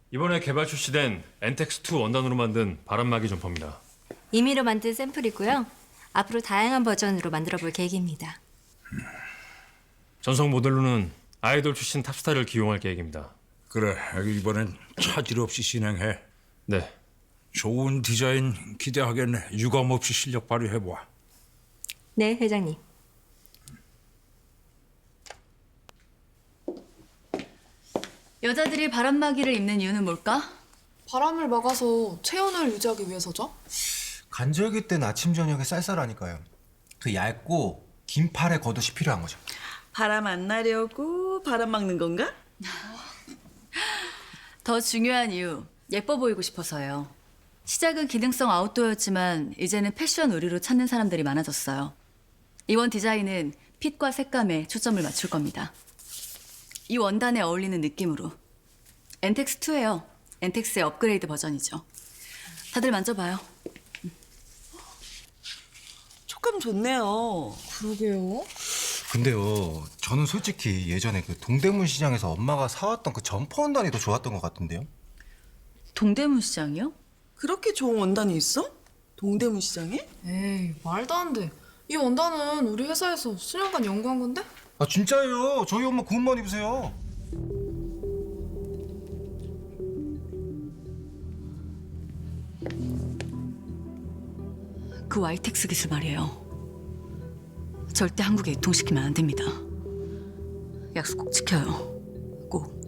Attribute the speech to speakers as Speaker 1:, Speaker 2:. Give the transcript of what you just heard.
Speaker 1: 이번에 개발 출시된 엔텍스2 원단으로 만든 바람막이 점퍼입니다.
Speaker 2: 임의로 만든 샘플이고요. 앞으로 다양한 버전으로 만들어 볼 계획입니다.
Speaker 1: 전속 모델로는 아이돌 출신 탑스타를 기용할 계획입니다.
Speaker 3: 그래, 이번엔 차질 없이 진행해.
Speaker 1: 네,
Speaker 3: 좋은 디자인 기대하겠네. 유감 없이 실력 발휘해봐.
Speaker 2: 네, 회장님.
Speaker 4: 여자들이 바람막이를 입는 이유는 뭘까?
Speaker 5: 바람을 막아서 체온을 유지하기 위해서죠.
Speaker 6: 간절기 땐 아침 저녁에 쌀쌀하니까요. 그 얇고 긴 팔의 겉옷이 필요한 거죠.
Speaker 7: 바람 안 나려고 바람 막는 건가?
Speaker 4: 더 중요한 이유, 예뻐 보이고 싶어서요. 시작은 기능성 아웃도어였지만 이제는 패션 의류로 찾는 사람들이 많아졌어요. 이번 디자인은 핏과 색감에 초점을 맞출 겁니다. 이 원단에 어울리는 느낌으로. 엔텍스2예요. 엔텍스의 업그레이드 버전이죠. 다들 만져봐요.
Speaker 7: 촉감 좋네요.
Speaker 5: 그러게요.
Speaker 6: 근데요, 저는 솔직히 예전에 그 동대문 시장에서 엄마가 사왔던 그 점퍼 원단이 더 좋았던 것 같은데요.
Speaker 4: 동대문 시장이요?
Speaker 7: 그렇게 좋은 원단이 있어? 동대문 시장에?
Speaker 5: 에이, 말도 안 돼. 이 원단은 우리 회사에서 수년간 연구한 건데?
Speaker 6: 아 진짜예요. 저희 엄마 그 옷만 입으세요.
Speaker 4: 그 와이텍스 기술 말이에요. 절대 한국에 유통시키면 안 됩니다. 약속 꼭 지켜요. 꼭.